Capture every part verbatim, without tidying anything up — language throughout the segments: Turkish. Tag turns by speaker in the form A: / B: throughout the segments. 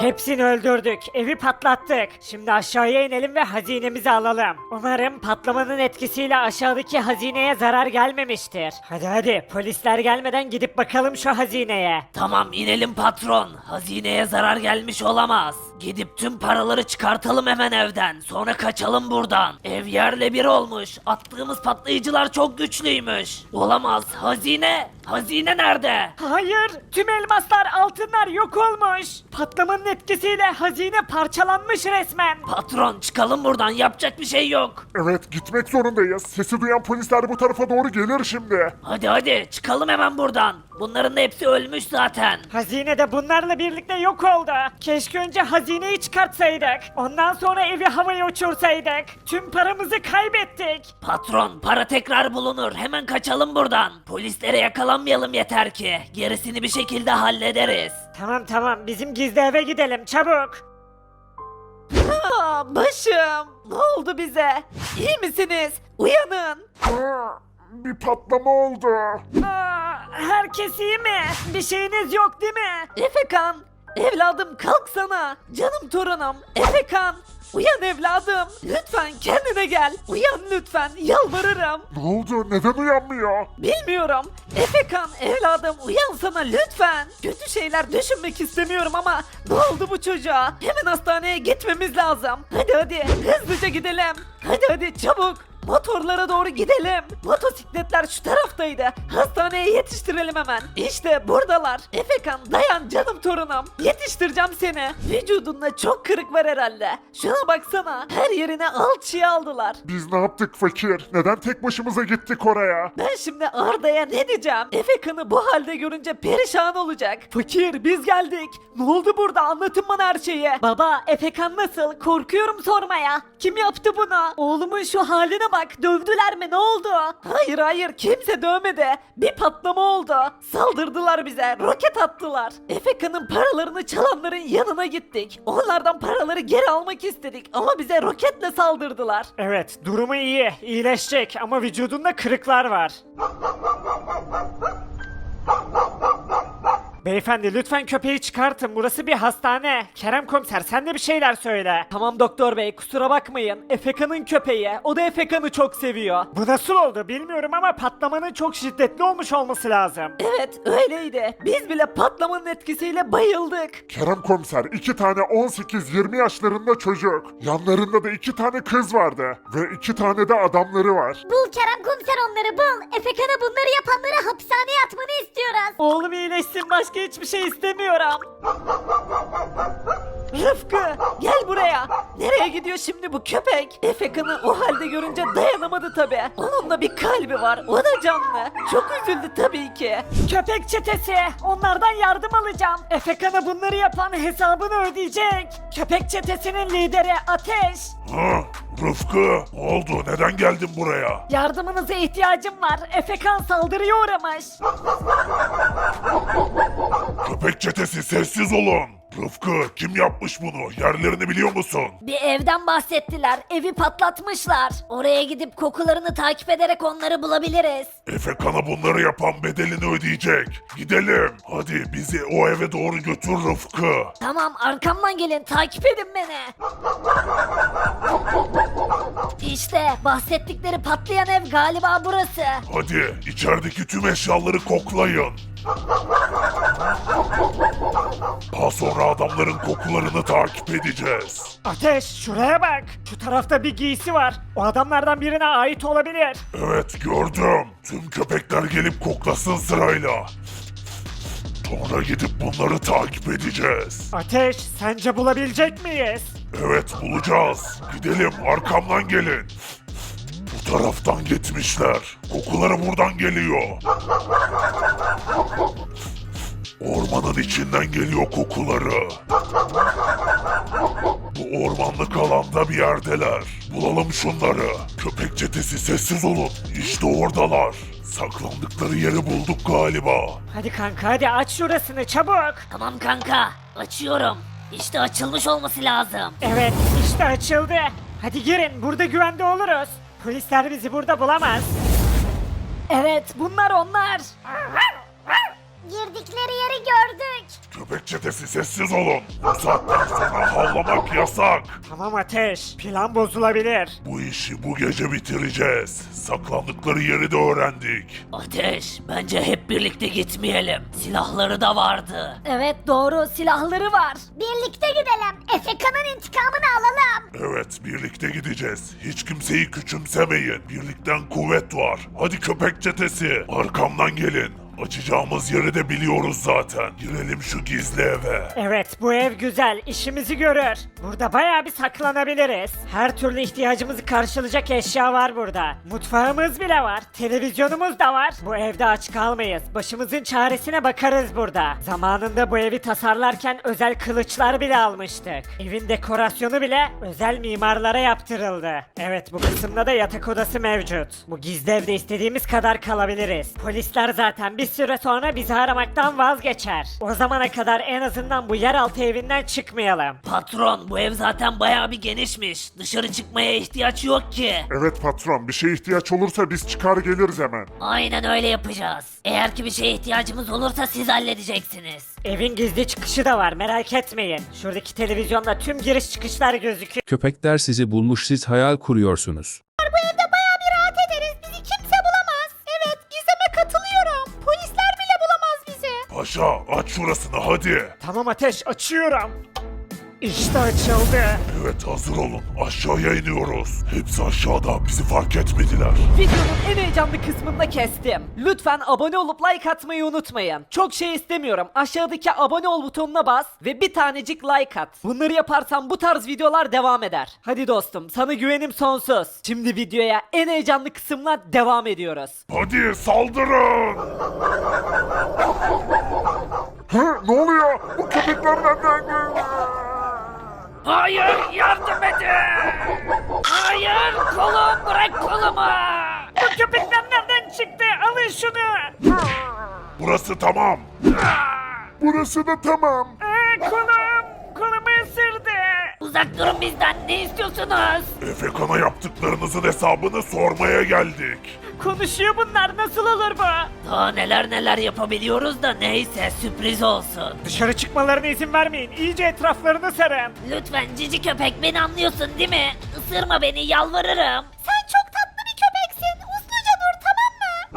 A: Hepsini öldürdük, evi patlattık. Şimdi aşağıya inelim ve hazinemizi alalım. Umarım patlamanın etkisiyle aşağıdaki hazineye zarar gelmemiştir. Hadi hadi, polisler gelmeden gidip bakalım şu hazineye.
B: Tamam inelim patron. Hazineye zarar gelmiş olamaz. Gidip tüm paraları çıkartalım hemen evden. Sonra kaçalım buradan. Ev yerle bir olmuş. Attığımız patlayıcılar çok güçlüymüş. Olamaz. Hazine. Hazine nerede?
A: Hayır, tüm elmaslar, altınlar yok olmuş. Patlamanın etkisiyle hazine parçalanmış resmen.
B: Patron çıkalım buradan. Yapacak bir şey yok.
C: Evet, gitmek zorundayız. Sesi duyan polisler bu tarafa doğru gelir şimdi.
B: Hadi hadi çıkalım hemen buradan. Bunların da hepsi ölmüş zaten.
A: Hazine de bunlarla birlikte yok oldu. Keşke önce hazineyi çıkartsaydık. Ondan sonra evi havaya uçursaydık. Tüm paramızı kaybettik.
B: Patron para tekrar bulunur. Hemen kaçalım buradan. Polislere yakalanmayalım yeter ki. Gerisini bir şekilde hallederiz.
A: Tamam tamam, bizim gizli eve gidelim çabuk.
D: Aa, başım. Ne oldu bize? İyi misiniz? Uyanın.
C: Aa, bir patlama oldu.
A: Aa, herkes iyi mi? Bir şeyiniz yok değil mi?
D: Efekan. Evladım kalksana. Canım torunum. Efekan. Uyan evladım. Lütfen kendine gel. Uyan lütfen. Yalvarırım.
C: Ne oldu? Neden uyanmıyor?
D: Bilmiyorum. Efekan evladım uyansana lütfen. Kötü şeyler düşünmek istemiyorum ama ne oldu bu çocuğa? Hemen hastaneye gitmemiz lazım. Hadi hadi hızlıca gidelim. Hadi hadi çabuk. Motorlara doğru gidelim. Motosikletler şu taraftaydı. Hastaneye yetiştirelim hemen. İşte buradalar. Efekan dayan canım torunum. Yetiştireceğim seni. Vücudunda çok kırık var herhalde. Şuna baksana. Her yerine alçıya aldılar.
C: Biz ne yaptık fakir? Neden tek başımıza gittik oraya?
D: Ben şimdi Arda'ya ne diyeceğim? Efekan'ı bu halde görünce perişan olacak. Fakir biz geldik. Ne oldu burada anlatın bana her şeyi. Baba Efekan nasıl? Korkuyorum sormaya. Kim yaptı bunu? Oğlumun şu haline bak. Dövdüler mi ne oldu? Hayır hayır kimse dövmedi. Bir patlama oldu. Saldırdılar bize. Roket attılar. Efekan'ın paralarını çalanların yanına gittik. Onlardan paraları geri almak istedik ama bize roketle saldırdılar.
A: Evet, durumu iyi, iyileşecek ama vücudunda kırıklar var. Beyefendi lütfen köpeği çıkartın, burası bir hastane. Kerem komiser sen de bir şeyler söyle.
D: Tamam doktor bey kusura bakmayın. Efekan'ın köpeği. O da Efekan'ı çok seviyor.
A: Bu nasıl oldu bilmiyorum ama patlamanın çok şiddetli olmuş olması lazım.
D: Evet öyleydi. Biz bile patlamanın etkisiyle bayıldık.
C: Kerem komiser, iki tane on sekiz yirmi yaşlarında çocuk. Yanlarında da iki tane kız vardı. Ve iki tane de adamları var.
E: Bul Kerem komiser onları bul. Efekan'a bunları yapanları hapishaneye atmanı istiyoruz.
D: Oğlum iyileşsin başka hiçbir şey istemiyorum. Rıfkı gel buraya. Nereye gidiyor şimdi bu köpek? Efekan'ı o halde görünce dayanamadı tabi. Onun da bir kalbi var. O da canlı. Çok üzüldü tabii ki.
A: Köpek çetesi, onlardan yardım alacağım. Efekan'a bunları yapan hesabını ödeyecek. Köpek çetesinin lideri Ateş.
C: Ha, Rıfkı, ne oldu? Neden geldin buraya?
A: Yardımınıza ihtiyacım var. Efekan saldırıya uğramış.
C: Köpek çetesi sessiz olun. Rıfkı, kim yapmış bunu? Yerlerini biliyor musun?
E: Bir evden bahsettiler. Evi patlatmışlar. Oraya gidip kokularını takip ederek onları bulabiliriz.
C: Efekan'a bunları yapan bedelini ödeyecek. Gidelim. Hadi bizi o eve doğru götür Rıfkı.
E: Tamam arkamdan gelin takip edin beni. İşte bahsettikleri patlayan ev galiba burası.
C: Hadi içerideki tüm eşyaları koklayın. Daha sonra adamların kokularını takip edeceğiz.
A: Ateş, şuraya bak. Şu tarafta bir giysi var. O adamlardan birine ait olabilir.
C: Evet gördüm. Tüm köpekler gelip koklasın sırayla. Sonra gidip bunları takip edeceğiz.
A: Ateş, sence bulabilecek miyiz?
C: Evet bulacağız. Gidelim arkamdan gelin. Bu taraftan gitmişler. Kokuları buradan geliyor. Ormanın içinden geliyor kokuları. Bu ormanlık alanda bir yerdeler. Bulalım şunları. Köpek çetesi sessiz olun. İşte oradalar. Saklandıkları yeri bulduk galiba.
A: Hadi kanka hadi aç şurasını çabuk.
B: Tamam kanka açıyorum. İşte açılmış olması lazım.
A: Evet işte açıldı. Hadi girin burada güvende oluruz. Polisler bizi burada bulamaz.
E: Evet bunlar onlar. Girdikleri yeri gördük.
C: Köpek çetesi sessiz olun. Bu saatten sonra havlamak yasak.
A: Tamam Ateş, plan bozulabilir.
C: Bu işi bu gece bitireceğiz. Saklandıkları yeri de öğrendik.
B: Ateş, bence hep birlikte gitmeyelim. Silahları da vardı.
E: Evet doğru silahları var. Birlikte gidelim. Efeka'nın intikamını alalım.
C: Evet, birlikte gideceğiz. Hiç kimseyi küçümsemeyin. Birlikten kuvvet var. Hadi köpek çetesi, arkamdan gelin. Açacağımız yeri de biliyoruz zaten. Girelim şu gizli eve.
A: Evet, bu ev güzel, işimizi görür. Burada bayağı bir saklanabiliriz. Her türlü ihtiyacımızı karşılayacak eşya var burada. Mutfağımız bile var, televizyonumuz da var. Bu evde aç kalmayız. Başımızın çaresine bakarız burada. Zamanında bu evi tasarlarken özel kılıçlar bile almıştık. Evin dekorasyonu bile özel mimarlara yaptırıldı. Evet, bu kısımda da yatak odası mevcut. Bu gizli evde istediğimiz kadar kalabiliriz. Polisler zaten bir süre sonra bizi aramaktan vazgeçer. O zamana kadar en azından bu yeraltı evinden çıkmayalım.
B: Patron, bu ev zaten bayağı bir genişmiş. Dışarı çıkmaya ihtiyaç yok ki.
C: Evet patron, bir şeye ihtiyaç olursa biz çıkar geliriz hemen.
B: Aynen öyle yapacağız. Eğer ki bir şeye ihtiyacımız olursa siz halledeceksiniz.
A: Evin gizli çıkışı da var, merak etmeyin. Şuradaki televizyonda tüm giriş çıkışlar gözüküyor.
F: Köpekler sizi bulmuş, siz hayal kuruyorsunuz.
E: Bu evde bayağı bir rahat ederiz. Bizi kimse bulamaz. Evet Gizem'e katılıyorum. Polisler bile bulamaz bizi.
C: Paşa, aç şurasını hadi.
A: Tamam Ateş, açıyorum. İşte açıldı.
C: Evet, hazır olun. Aşağıya iniyoruz. Hepsi aşağıda, bizi fark etmediler.
D: Videonun en heyecanlı kısmında kestim. Lütfen abone olup like atmayı unutmayın. Çok şey istemiyorum. Aşağıdaki abone ol butonuna bas ve bir tanecik like at. Bunları yaparsan bu tarz videolar devam eder. Hadi dostum, sana güvenim sonsuz. Şimdi videoya en heyecanlı kısımla devam ediyoruz.
C: Hadi saldırın. Hı, ne oluyor? Bu köpekler nereden geldi?
B: Hayır, yardım edin! Hayır, kolum, bırak kolumu!
A: Bu köpekler nereden çıktı? Alın şunu.
C: Burası tamam. Burası da tamam.
A: Aa, kolum. Kolumu ısırdı.
B: Uzak durun bizden, ne istiyorsunuz?
C: Efekan'a yaptıklarınızın hesabını sormaya geldik.
A: Konuşuyor bunlar, nasıl olur bu?
B: Daha neler neler yapabiliyoruz da neyse, sürpriz olsun.
A: Dışarı çıkmalarına izin vermeyin. İyice etraflarını sarın.
B: Lütfen cici köpek, beni anlıyorsun değil mi? Isırma beni, yalvarırım.
E: Sen çok tatlı bir köpeksin. Usluca dur tamam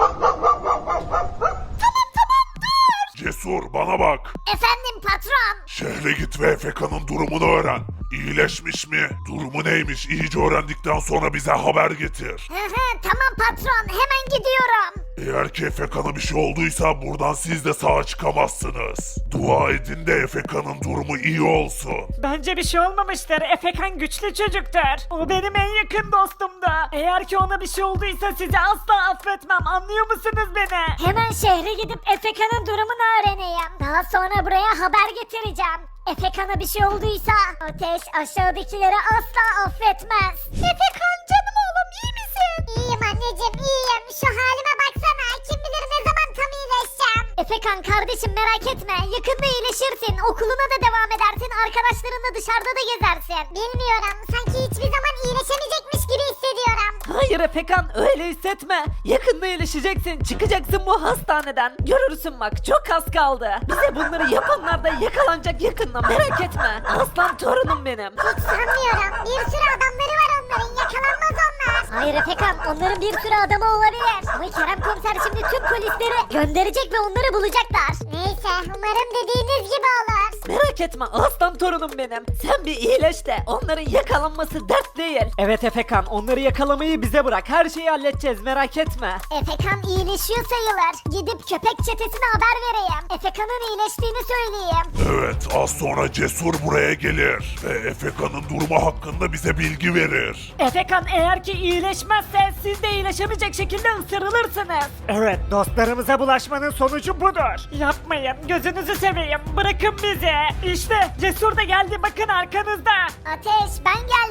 E: mı? Tamam tamam dur.
C: Cesur, bana bak.
E: Efendim patron.
C: Şehre git ve Efekan'ın durumunu öğren. İyileşmiş mi? Durumu neymiş? İyice öğrendikten sonra bize haber getir.
E: Hı hı tamam patron hemen gidiyorum.
C: Eğer ki Efekan'a bir şey olduysa buradan siz de sağa çıkamazsınız. Dua edin de Efekan'ın durumu iyi olsun.
A: Bence bir şey olmamıştır. Efekan güçlü çocuktur. O benim en yakın dostumdu. Eğer ki ona bir şey olduysa sizi asla affetmem. Anlıyor musunuz beni?
E: Hemen şehre gidip Efeka'nın durumunu öğreneyim. Daha sonra buraya haber getireceğim. Efekan'a bir şey olduysa Ateş aşağıdakileri asla affetmez. Efekan canım oğlum iyi misin? İyiyim anneciğim iyiyim. Şu halime baksana. Kim bilir ne zaman tam iyileşeceğim. Efekan kardeşim merak etme. Yakında iyileşirsin. Okuluna da devam edersin. Arkadaşlarınla dışarıda da gezersin. Bilmiyorum. Sanki hiçbir zaman iyileşemeyecekmiş gibi hissediyorum.
D: Hayır Efekan, öyle hissetme. Yakında iyileşeceksin. Çıkacaksın bu hastaneden. Görürsün bak, çok az kaldı. Bize bunları yapanlar da yakalanacak yakında, merak etme. Aslan torunum benim.
E: Hiç sanmıyorum. Bir sürü adamları var onların. Yakalanmaz onlar. Hayır Efekan. Onların bir sürü adamı olabilir. Ama Kerem komiser şimdi tüm polisleri gönderecek ve onları bulacaklar. Neyse. Umarım dediğiniz gibi olur.
D: Merak etme aslan torunum benim. Sen bir iyileş de onların yakalanması dert değil. Evet Efekan, onları yakalamayı bize bırak. Her şeyi halledeceğiz, merak etme.
E: Efekan iyileşiyor sayılır. Gidip köpek çetesine haber vereyim. Efekan'ın iyileştiğini söyleyeyim.
C: Evet, az sonra Cesur buraya gelir ve Efekan'ın durumu hakkında bize bilgi verir.
A: Efekan eğer ki iyileşmezse siz de iyileşemeyecek şekilde ısırılırsınız. Evet, dostlarımıza bulaşmanın sonucu budur. Yapmayın, gözünüzü seveyim, bırakın bizi. İşte Cesur da geldi, bakın arkanızda.
E: Ateş ben geldim.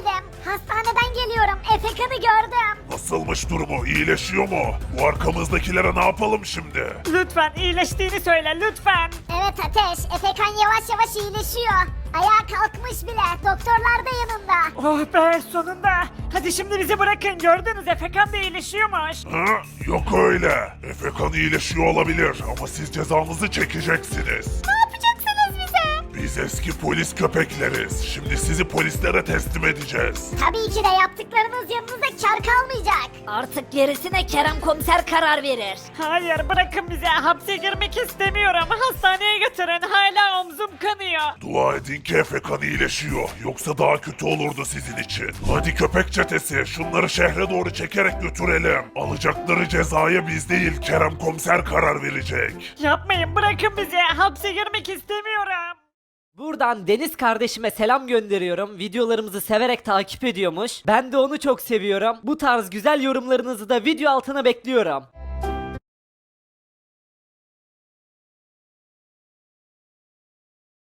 E: Hastaneden geliyorum. Efekan'ı gördüm.
C: Nasılmış durumu? İyileşiyor mu? Bu arkamızdakilere ne yapalım şimdi?
A: Lütfen iyileştiğini söyle lütfen.
E: Evet Ateş, Efekan yavaş yavaş iyileşiyor. Ayağa kalkmış bile. Doktorlar da yanında.
A: Oh be sonunda. Hadi şimdi bizi bırakın gördünüz Efekan da iyileşiyormuş.
C: Ha? Yok öyle. Efekan iyileşiyor olabilir ama siz cezanızı çekeceksiniz.
E: Ne yapacaksınız bize?
C: Biz eski polis köpekleriz. Şimdi sizi polislere teslim edeceğiz.
E: Tabii ki de yaptıklarınız yanınıza kar kalmayacak.
G: Artık gerisine Kerem komiser karar verir.
A: Hayır bırakın bizi hapse girmek istemiyorum. Hastaneye götürün hala omzum kanıyor.
C: Dua edin ki Efekan iyileşiyor. Yoksa daha kötü olurdu sizin için. Hadi köpek çetesi şunları şehre doğru çekerek götürelim. Alacakları cezaya biz değil Kerem komiser karar verecek.
A: Yapmayın bırakın bizi hapse girmek istemiyorum.
D: Buradan Deniz kardeşime selam gönderiyorum. Videolarımızı severek takip ediyormuş. Ben de onu çok seviyorum. Bu tarz güzel yorumlarınızı da video altına bekliyorum.